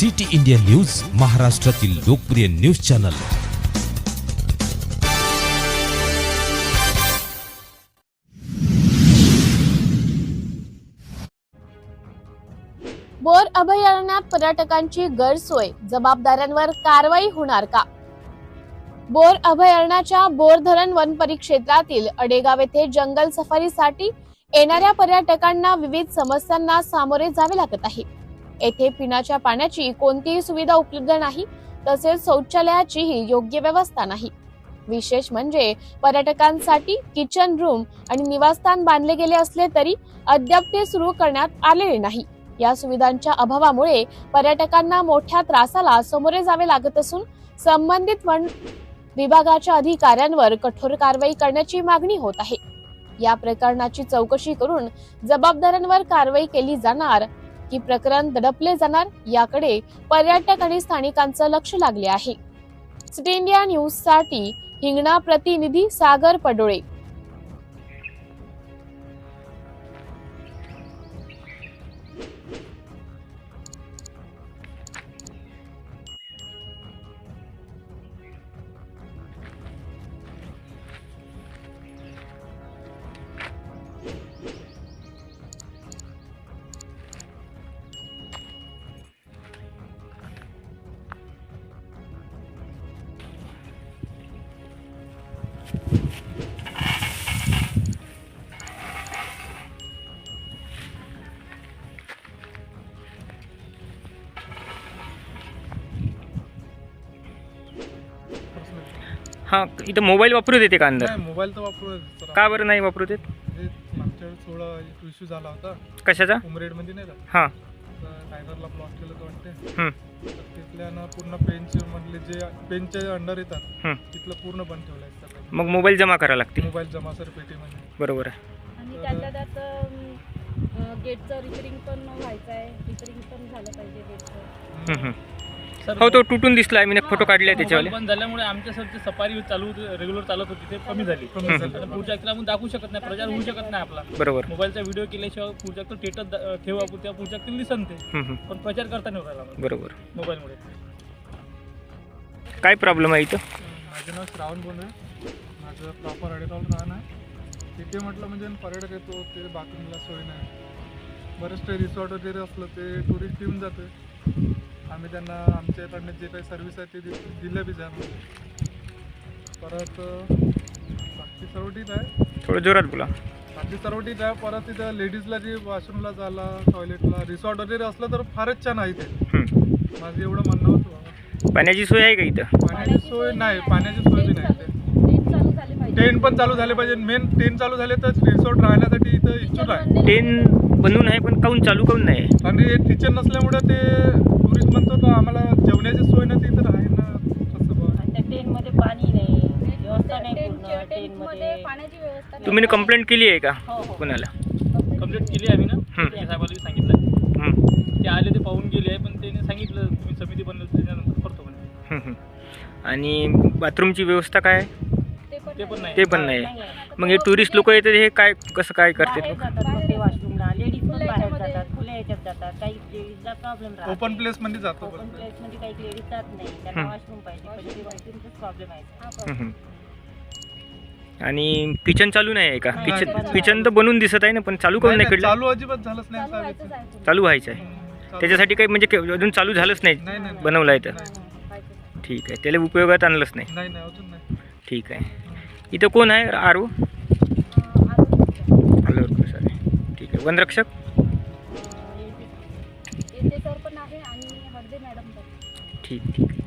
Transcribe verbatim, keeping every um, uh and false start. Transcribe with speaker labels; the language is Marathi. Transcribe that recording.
Speaker 1: सिटी इंडिया न्यूज, महाराष्ट्रातील लोकप्रिय न्यूज चॅनल।
Speaker 2: बोर अभयारण्यात पर्यटकांची गैरसोय, जबाबदारांवर कारवाई होणार का? बोर अभयारण्याच्या बोर धरण वन परिक्षेत्रातील अडेगाव येथे जंगल सफारीसाठी येणाऱ्या पर्यटकांना विविध समस्यांना सामोरे जावे लागत आहे। येथे पिण्याच्या पाण्याची कोणतीही सुविधा उपलब्ध नाही, तसेच शौचालयाचीही योग्य व्यवस्था नाही। विशेष म्हणजे पर्यटकांसाठी किचन रूम आणि निवासस्थान बांधले गेले असले तरी अद्याप ते सुरू करण्यात आलेले नाही। या सुविधांच्या अभावामुळे पर्यटकांना मोठ्या त्रासाला सामोरे जावे लागत असून संबंधित वन विभागाच्या अधिकाऱ्यांवर कठोर कारवाई करण्याची मागणी होत आहे। या प्रकरणाची चौकशी करून जबाबदारांवर कारवाई केली जाणार की प्रकरण दडपले जाणार, याकडे पर्यटक आणि स्थानिकांचं लक्ष लागले आहे। सिटी इंडिया न्यूज साठी हिंगणा प्रतिनिधी सागर पडोळे।
Speaker 3: हां, इथं मोबाईल वापरू देते का अंदर?
Speaker 4: नाही, मोबाईल तर वापरू देत.
Speaker 3: का बरं नाही वापरू देत?
Speaker 4: म्हणजे मागच्या वेळेस थोडा इश्यू झाला होता
Speaker 3: कशाचा?
Speaker 4: उमरेडमध्ये नाही का,
Speaker 3: हां
Speaker 4: टायगरला ब्लॉक केलं तर वाटते।
Speaker 3: हं,
Speaker 4: तर तिथल्यानं पूर्ण पेनचे मधले जे पेनच्या अंडर येतात
Speaker 3: हं.
Speaker 4: तिथलं पूर्ण बंद ठेवलं आहे सगळं।
Speaker 3: मग मोबाईल जमा करावं लागते।
Speaker 4: मोबाईल जमा सर पेटीमध्ये।
Speaker 3: बरोबर आहे।
Speaker 5: आणि त्यातल्या त्यात अं, गेटचं रिपेरिंग पण व्हायचं आहे, रिपेरिंग पण झालं पाहिजे गेटचं।
Speaker 3: हं, हं. हो, तो तुटून दिसला, मी एक फोटो काढले त्याच्यावाले।
Speaker 6: बंद झाल्यामुळे आमच्या सर सफारी चालू रेग्युलर चालत होती ते कमी झाली।
Speaker 4: कमी
Speaker 3: हं.
Speaker 4: झालं.
Speaker 6: आता पुढच्या व्यक्तीला आपण दाखवू शकत नाही, प्रचार होऊ शकत नाही आपला।
Speaker 3: बरोबर।
Speaker 6: मोबाईलचा व्हिडिओ केल्याशिवाय पुढच्या व्यक्ती स्टेटस ठेवा, त्या पुढच्या व्यक्तीला दिसन ते,
Speaker 3: हं, हं.
Speaker 6: पण प्रचार करता नाही राहिला
Speaker 3: बरोबर।
Speaker 6: मोबाईलमुळे।
Speaker 3: काय प्रॉब्लेम आहे इथं?
Speaker 4: माझं नाव श्रावण बोलू आहे, माझं प्रॉपर अडेगाव राहणं आहे। तिथे म्हटलं म्हणजे पर्यटक येतो ते बाथरूमला सोय नाही, बरेच ते रिसॉर्ट वगैरे असलं ते टुरिस्ट येऊन जाते, आम्ही त्यांना आमच्याकडनं जे काही सर्व्हिस आहे ते दि- दिलं बी जाणार। परत बाकी सर्व ठीक आहे,
Speaker 3: थोडं जोरात बोला।
Speaker 4: बाकी सर्व ठीक आहे। परत तिथं लेडीजला जे वॉशरूमला झाला, टॉयलेटला रिसॉर्ट वगैरे असलं तर फारच छान आहे ते।
Speaker 3: हं.
Speaker 4: माझं एवढं म्हणणं होतं।
Speaker 3: पाण्याची सोय आहे का इथं?
Speaker 4: पाण्याची सोय नाही, पाण्याची सोय बी नाही ते।
Speaker 5: टेंट चालू झाले पाहिजे,
Speaker 4: टेंट पण चालू झाले पाहिजे, मेन टेंट चालू झाले तर रिसॉर्ट राहण्यासाठी इथं इच्छुक आहे।
Speaker 3: ट्रेन बनवून आहे पण काऊन चालू काऊन नाही?
Speaker 4: आणि हे किचन नसल्यामुळे ते टुरिस्ट म्हणतो का आम्हाला जेवणाची सोय नाही, ती तर आहे ना कसं बघ।
Speaker 5: आणि त्या टेंटमध्ये पाणी नाही, व्यवस्था नाही पूर्ण टेंटमध्ये पाण्याची व्यवस्था नाही।
Speaker 3: तुम्ही कंप्लेंट केली आहे का
Speaker 5: हो, हो.
Speaker 3: कोणाला?
Speaker 6: कंप्लीट केली आम्ही ना,
Speaker 3: हं.
Speaker 6: त्या साहेबाला सांगितलं,
Speaker 3: हं,
Speaker 6: ते आले, ते पाहून गेले, पण त्याने सांगितलं तुम्ही समिती बनवली त्याच्यानंतर करतो म्हणे।
Speaker 3: हं, हं. आणि बाथरूमची व्यवस्था काय आहे?
Speaker 6: ते पण नाही।
Speaker 3: ते पण नाही। मग हे टुरिस्ट लोक येतात, हे काय कसं काय करतात?
Speaker 5: बाहेर जातात मग ते वॉशरूमला, लेडीज पण बाहेर जातात, खुल्या याच्यात जातात, काही लेडीजला प्रॉब्लेम राहतो।
Speaker 4: ओपन प्लेस मध्ये जातो
Speaker 5: ओपन
Speaker 4: पण
Speaker 5: प्लेस मध्ये काही लेडीज जात नाही, त्यांना
Speaker 3: हं.
Speaker 5: वॉशरूम पाहिजे, पण ते वॉशरूमचाच प्रॉब्लेम आहे। हा
Speaker 3: हं,
Speaker 5: प्रॉब्लेम।
Speaker 3: हं. आणि किचन चालू नाही आहे का?
Speaker 4: नाही,
Speaker 3: किचन
Speaker 5: नाही.
Speaker 3: किचन तर बनवून दिसत आहे ना, पण चालू काऊन
Speaker 4: नाही,
Speaker 3: नाही
Speaker 4: नाही,
Speaker 3: कडलं?
Speaker 4: चालू अजिबात झालंच नाही
Speaker 5: चालू
Speaker 4: साहेब
Speaker 5: व्हायचंच
Speaker 4: इथे।
Speaker 5: आहे पुढे.
Speaker 3: चालू व्हायचं आहे
Speaker 4: हं, चालू.
Speaker 3: त्याच्यासाठी काही म्हणजे के- अजून चालू झालंच नाही,
Speaker 4: नाही नाही नाही.
Speaker 3: बनवलं आहे तर?
Speaker 4: नाही,
Speaker 5: व्हायचंच आहे.
Speaker 3: ठीक आहे, त्याला उपयोगात आणलंच नाही।
Speaker 4: नाही नाही अजून नाही।
Speaker 3: ठीक आहे। इथं कोण आहे? आरू
Speaker 5: अं, अजून
Speaker 3: आलोर सर, ठीक आहे। वनरक्षक
Speaker 5: अं, येते येते सर पण आहे आणि हळदे मॅडम पण।
Speaker 3: ठीक ठीक